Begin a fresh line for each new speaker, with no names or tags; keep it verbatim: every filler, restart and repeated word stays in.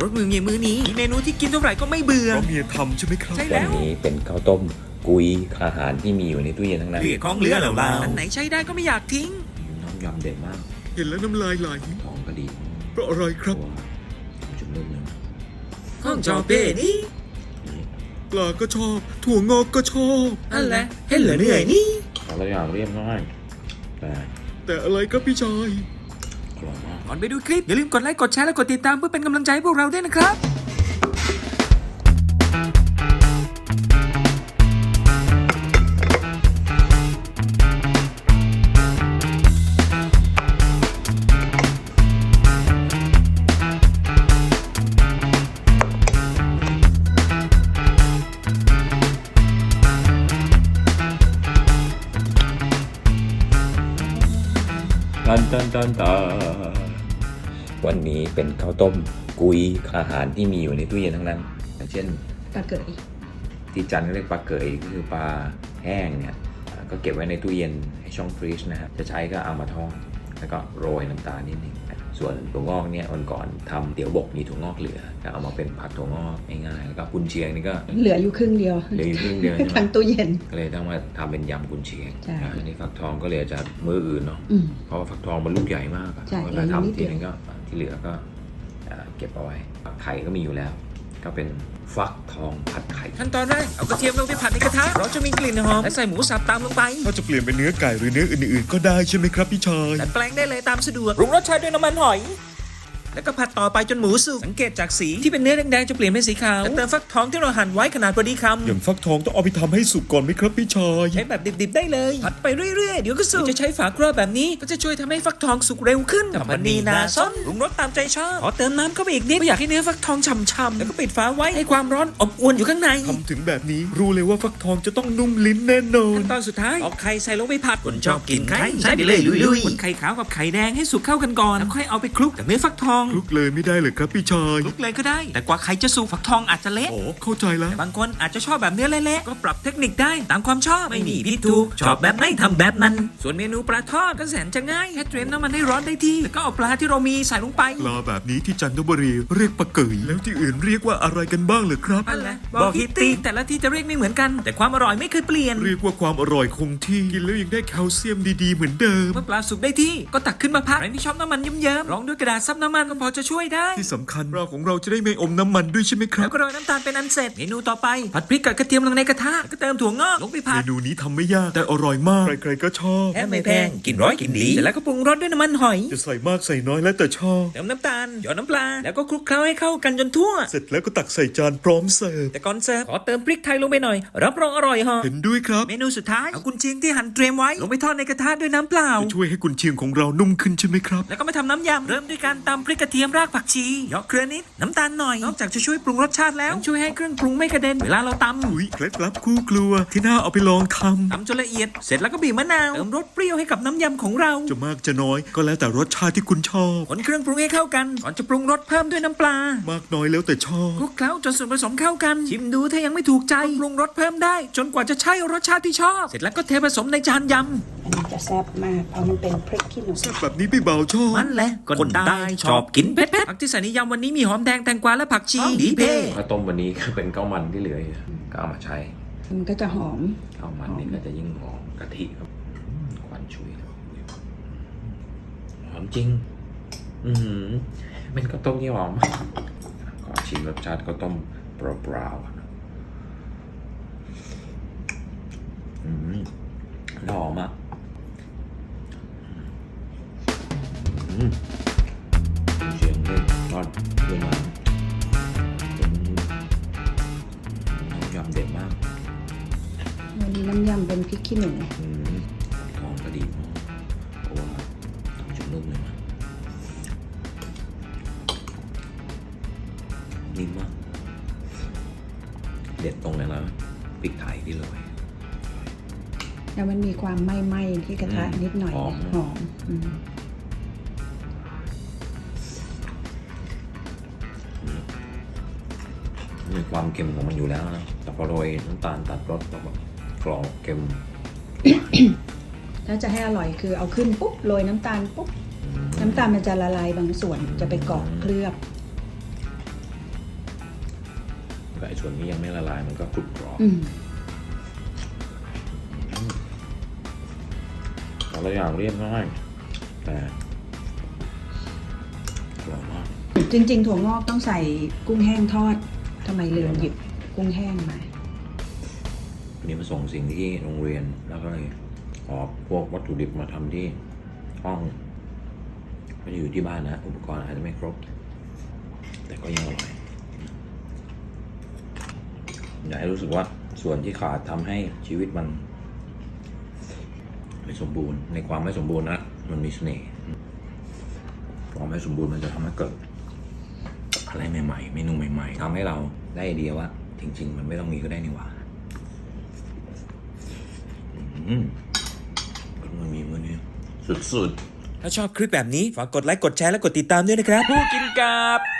รสมือเมียมื้อนี้มีเมนูที่กินเท่าไหร่ก็ไม่เบื่อ
เพราะเมียทำใช่ไหมครับ
ใช่
วั
แล้
น
ว
นี้เป็นข้าวต้มกุยอาหารที่มีอยู่ในตู้เย็นทั้งนั้น
เหลือของเหลือแล้วเราอันไหนใช้ได้ก็ไม่อยากทิ้ง
น้ำยำเด็ดมาก
เห็นแล้วน้ำลายไหล
ท้องก็ดี
เพราะอะไรครับ
ตัวจุ่มนุ่มเลยนะ
ข้องจอเป้นี่
ปลาก็ชอบ ถั่วงอกก็ชอบ
นั่นแหละเห็นเหลือเหนื่อยนี่
แต่ละอย่างเรียบง่ายแต่
แต่อะไรครับพี่ชาย
อร่อยมาก
ก่อนไปดูคลิปอย่าลืมกดไลค์กดแชร์และกดติดตามเพื่อเป็นกำลังใจให้พวกเราด้วยนะครับ
ตันตันตันตันวันนี้เป็นข้าวต้มกุยอาหารที่มีอยู่ในตู้เย็นทั้งนั้นอย่างเช่น
ปลาเกย
ที่จันทร์เรียกปลาเกยก็คือปลาแห้งเนี่ยอ่าก็เก็บไว้ในตู้เย็นให้ช่องฟรีซนะฮะจะใช้ก็เอามาทอดแล้วก็โรยน้ำตาลนิดนึงส่วนถั่วงอกเนี่ยวันก่อนทำเตี๋ยวบกมีถั่วงอกเหลือก็เอามาเป็นผัดถั่วงอกง่ายๆแล้วก็กุนเชียงนี่ก็
เหลืออยู่ครึ่งเดียว
เหลืออยู่ครึ่งเดียวใช่ไหม
ทั้งตู้เย็น
ก็เลยต้องมาทำเป็นยำกุนเชียง
ใช่
อ่าอันนี้ฟักทองก็เลยจะมืออื่นเนาะ
อืม
เพราะว่าฟักทองมันลูกใหญ่มากอะ
ใช่
เวลา
เหลืออยู่นิด
ทำ
เดี
ที
ยว
นึงก็ที่เหลือก็อ่าเก็บเอาไว้ไข่ก็มีอยู่แล้ว ก็เป็นฟักทองผัดไข่
ขั้นตอนแรกเอากระเทียมลงไปผัดในกระทะเราจะมีกลิ่นหอมและใส่หมูสับตามลงไป
ถ้าจะเปลี่ยนเป็นเนื้อไก่หรือเนื้ออื่นๆ ก็ได้ใช่ไหมครับพี่ชาย
ดัดแปลงได้เลยตามสะดวกปรุงรสชาติด้วยน้ำมันหอย แล้วก็ผัดต่อไปจนหมูสุกสังเกตจากสีที่เป็นเนื้อแดงๆจะเปลี่ยนเป็นสีขาวแล้วเติมฟักทองที่เราหั่นไว้ขนาดพอดีคำ
อย่างฟักทองต้องเอาไปทำให้สุกก่อนไหมครับพี่ชาย
ใช้แบบดิบๆได้เลยผัดไปเรื่อยๆเดี๋ยวก็สุกจะใช้ฝาครอบแบบนี้ก็จะช่วยทำให้ฟักทองสุกเร็วขึ้นทำมันนีนาซ้นปรุงรสตามใจชอบขอเติมน้ำเข้าไปอีกนิดไม่อยากให้เนื้อฟักทองฉ่ำๆแล้วก็ปิดฝาไว้ให้ความร้อนอบอวนอยู่ข้างใน
ทำถึงแบบนี้รู้เลยว่าฟักทองจะต้องนุ่มลิ้นแน่นอน
ขั้นตอนสุดท้ายเอาไข่ใส่ลงไปผัดคนชอบกินไข่ใส่ไปเลยลุยๆคนไข่ขาวกับไข่แดงให้สุกเข้ากันก่อนแล้วค่อยเอาไปคลุกกับเนื้อฟักทอง
คลุกเลยไม่ได้เลยครับพี่ชาย
คลุกเลยก็ได้แต่กว่าไข่จะสุกฟักทองอาจจะเละ
โอ้เข้าใจแล้ว
แต่บางคนอาจจะชอบแบบเนื้อเละๆก็ปรับเทคนิคได้ตามความชอบไม่มีผิดถูกชอบแบบไหนทำแบบนั้นส่วนเมนูปลาทอดก็แสนจะง่ายแค่เตรียมน้ำมันให้ร้อนได้ที่แล้วก็เอาปลาที่เรามีใส่ลงไป
ปลาแบบนี้ที่จันทบุรีเรียกปลาเกยแล้วที่อื่นเรียกว่าอะไรกันบ้างเหรอครับ
นั่นแหละบอกฮิตตี้แต่ละที่จะเรียกไม่เหมือนกัน แต่ความอร่อยไม่เคยเปลี่ยน
เรียกว่าความอร่อยคงที่กินแล้วยังได้แคลเซียมดีๆเหมือนเดิม
เมื่อปลาสุกได้ที่ก็ตักขึ้นมาพักใครที่ชอบน้ำมันเยิ้มๆรองด้วยกระดาษซับน้ำมันก็พอจะช่วยได้
ที่สำคัญปลาของเราจะได้ไม่อมน้ำมันด้วยใช่ไหมครั
แล้
บ
วก็โรยน้ำตาลเป็นอันเสร็จเมนูต่อไปผัดพริกกับกระเทียมลงในกระทะแล้วก็เติมถั่วงอกลงไปผั
เม
ด
นูนี้ทำไม่ยากแต่อร่อยมาก ใครๆก็ชอบ
แค่ไม่แพงกินร้อยกินดีเสร็จแล้วก็ปรุงรสด้วยน้ำมันหอย
จะใส่มากใส่น้อยแล้วแต่ชอบ
เติมน้ำตาลหยอดน้ำปลาแล้วก็คลุกเคล้าให้เข้ากันจนทั่ว
เสร็จแล้วก็ตักใส่จานพร้อมเสิร์ฟ
แต่ก่อนเสิร์ฟขอเติมพริกไทยลงไปหน่อยรับรองอร่อยฮะ
เห็นด้วยครับ
เมนูสุดท้ายเอากุนเชียงที่หั่นเตรียมไว้ลงไปทอดในกระทะด้วยน้ำเปล่า
จะช่วยให้กุนเชียงของเรานุ่มขึ้นใช่ไหมครับ
แล้วก็มาทำน้ำยำเริ่มด้วยการตำพริกกระเทียมรากผักชีเหยาะเกลือนิดน้ำตาลหน่อยนอกจากจะช่วยปรุงรสชาติแล้วยังช่วยให้เครื่องปรุงไม่กระเด็นเวลาเราตำ
อุ้ยเคล็ดลับคู่ครัวที่น่าเอาไปลองท
ตำจนละเอียดเสร็จแล้วก็บีบมะนาวเติมรสเปรี้ยวให้กับน้ำยำของเรา
ำจะมากจะน้อยก็แล้วแต่รสชาติที่คุณชอบ
คนเครื่องปรุงให้เข้ากันก่อนจะปรุงรสเพิ่มด้วยน้ำปลาม
ากน้อยแล้วแต่ชอบ
คลุกเคล้าจนส่วนผสมเข้ากันชิมดูถ้ายังไม่ถูกใจก็ปรุงรสเพิ่มได้ จนกว่าจะใช่รสชาติที่ชอบ เสร็จแล้วก็เทผสมในจานย
อันนี้จะแซ่บมากเพราะมันเป็นพริกขี้หนู
แซ่บแบบนี้พี่เบาชอบ
ำมันแหละคนใต้ชอบกินเผ็ดๆผักที่ใส่ในยำวันนี้มีหอมแดงแตงกวาและผักชีดีเพ่
ข้าวต้มวันนี้ก็เป็นข้าวมันที่เหลืออยู่ก็เอามาใช้
มันก็จะหอม
ข้าวมันนี่ก็จะยิ่งหอมกะทิครับควันชุยหอมจริง อือหือเป็นข้าวต้มที่หอมขอชิมรสชาติข้าวต้มเปล่าๆนะอืมหอมอ่ะอืมเชียงเล่นทอดด้วยน้ำเป็นน้ำยำเด็ดมาก
วันนี้น้ำยำเป็นพริกขี้หนู
อืมทองก็ดีมากเพราะว่าทำจนนุ่มเลยนะนิ่มมากเด็ดตรงนั้นแล้วพริกไทยที่โรย
แล้วมันมีความไหม้ๆที่กระทะ
อืม
นิดหน่อย
หอม
หอมอืม
มีความเค็มของมันอยู่แล้วนะแต่พอโรยน้ำตาลตัดรสแล้วแบบกรอบเค็ม
ถ้าจะให้อร่อยคือเอาขึ้นปุ๊บโรยน้ำตาลปุ๊บ
อืม
น้ำตาลมันจะละลายบางส่วนจะไปเกาะเคลือบ
อก็ไอ้ส่วนนี้ยังไม่ละลายมันก็กรุบกรอบ
อืม
แต่ละอย่างเรียบง่ายแต่อร่อยมาก
จริงๆถั่วงอกต้องใส่กุ้งแห้งทอดทำไมลืมหยิบกุ้งแห้งมา
วันนี้มาส่งสิ่งที่โรงเรียนแล้วก็เลยขอพวกวัตถุดิบมาทำที่ห้องไม่ได้อยู่ที่บ้านนะ อุปกรณ์อาจจะไม่ครบ แต่ก็ยังอร่อย อยากให้รู้สึกว่าส่วนที่ขาดทำให้ชีวิตมัน ไม่สมบูรณ์ในความไม่สมบูรณ์นะมันมีเสน่ห์ความไม่สมบูรณ์มันจะทำให้เกิดอะไรใหม่ๆเมนูใหม่ๆทำให้เราได้ไอเดียว่าจริงๆมันไม่ต้องมีก็ได้นี่หว่าอืมมันมีมื้อนี้สุดๆ
ถ้าชอบคลิปแบบนี้ฝากกดไลค์กดแชร์และกดติดตามด้วยนะครับ ผู้กินกับ